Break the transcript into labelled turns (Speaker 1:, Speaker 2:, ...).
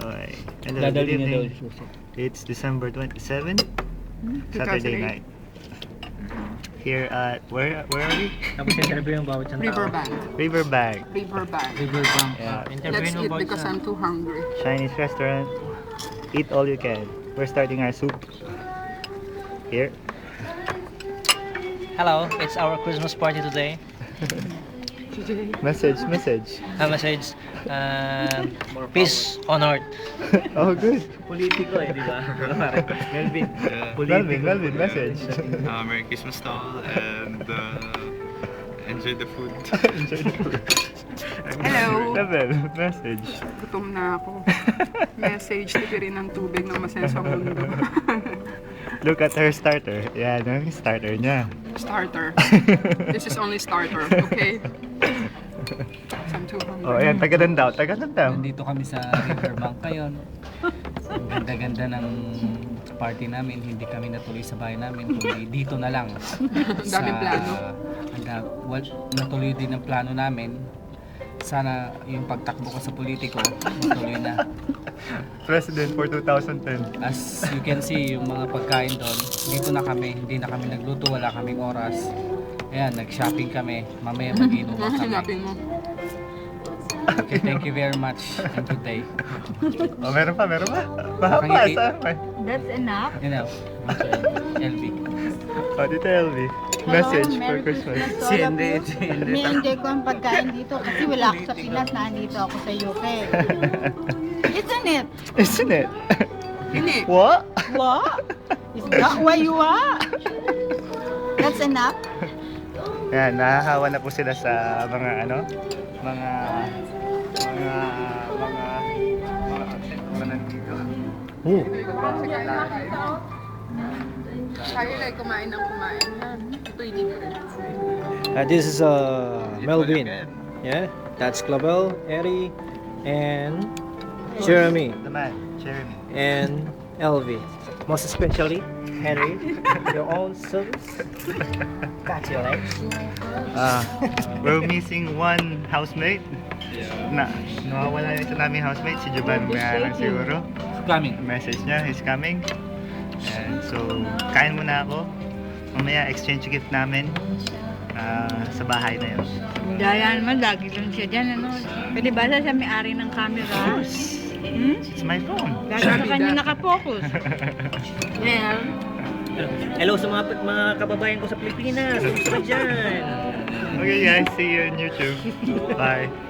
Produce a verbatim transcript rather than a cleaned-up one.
Speaker 1: Okay. Hello, good
Speaker 2: Dadalhin niya daw
Speaker 1: evening.
Speaker 2: yung susi.
Speaker 1: It's December twenty-seventh, Saturday night. Here at, where where are we?
Speaker 2: Tapos interview yung bawat isang tao.
Speaker 3: Riverbank.
Speaker 1: Riverbank.
Speaker 3: Riverbank.
Speaker 2: Riverbank.
Speaker 1: Yeah.
Speaker 2: Uh,
Speaker 3: Let's
Speaker 2: interview yung
Speaker 3: eat
Speaker 2: bawat
Speaker 3: because
Speaker 2: isang.
Speaker 3: I'm too hungry.
Speaker 1: Chinese restaurant. Eat all you can. We're starting our soup. Here.
Speaker 4: Hello, it's our Christmas party today.
Speaker 1: Message, message.
Speaker 4: A message, uh, peace on earth.
Speaker 1: Oh, good.
Speaker 2: Politiko eh, di ba? Melvin.
Speaker 5: Yeah.
Speaker 1: Melvin, Melvin, message.
Speaker 5: Uh, Merry Christmas to all and uh, enjoy the food.
Speaker 1: Enjoy the food.
Speaker 3: Hello.
Speaker 1: Melvin, message.
Speaker 3: Gutom na ako. Message, tipirin ng tubig ng masaya sa mundo.
Speaker 1: Look at her starter. Yeah, ano yung starter niya?
Speaker 3: Starter. This is only starter, okay? I'm too hungry.
Speaker 1: Oh, ayan, tagadan daw, tagadan daw.
Speaker 2: Nandito kami sa Riverbank ngayon. Ang ganda-ganda ng party namin. Hindi kami natuloy sa bahay namin. Kundi dito na lang.
Speaker 3: Ang daming plano.
Speaker 2: Ang da- well, natuloy din ang plano namin. Sana yung pagtakbo ko sa politiko, matuloy na.
Speaker 1: President for two thousand ten.
Speaker 2: As you can see, yung mga pagkain doon, dito na kami, hindi na kami nagluto, wala kaming oras. Ayan, nag-shopping kami, mamaya mag-inom
Speaker 3: Ano
Speaker 2: kami.
Speaker 3: sinapin mo?
Speaker 2: Okay, thank you very much and good day.
Speaker 1: Oh, meron pa, meron pa. Mahaba,
Speaker 2: Nakangiti.
Speaker 1: saan pa?
Speaker 6: That's enough.
Speaker 2: You know, L B.
Speaker 1: Oh, dito L V. Message for Christmas.
Speaker 6: Si Hindi, Ni-enjoy ko ang pagkain dito kasi wala ako sa Pinas, nandito ako sa U K. Isn't it?
Speaker 1: Isn't it?
Speaker 3: Hindi.
Speaker 1: What?
Speaker 6: What? Is that why you are? That's enough?
Speaker 1: Yan, nahahawa na po sila sa mga ano, mga mga mga mga mga nandito. Oh.
Speaker 3: Tayo lang kumain ng kumain. Ito'y libre.
Speaker 7: Uh, this is uh, Melvin. Yeah, that's Clavel, Eri, and Jeremy,
Speaker 1: The man, Jeremy.
Speaker 7: and L V. Most especially Henry, your own service. Got your legs.
Speaker 1: Ah, we're missing one housemate. Na, nawawala yung isa naming housemate, si Jovan nga lang siguro.
Speaker 2: Coming.
Speaker 1: Message niya, he's coming. And so, kain muna ako. Mamaya exchange gift namin ah, sa bahay na yun.
Speaker 6: Daya naman, lagi lang siya dyan, ano? Pwede ba siya may-ari ng camera? Hmm?
Speaker 1: It's my phone.
Speaker 6: Lagi sa kanya nakapokus. Well,
Speaker 7: Hello sa mga mga kababayan ko sa Pilipinas. Kumusta ka dyan?
Speaker 1: Okay guys, see you on YouTube. Bye.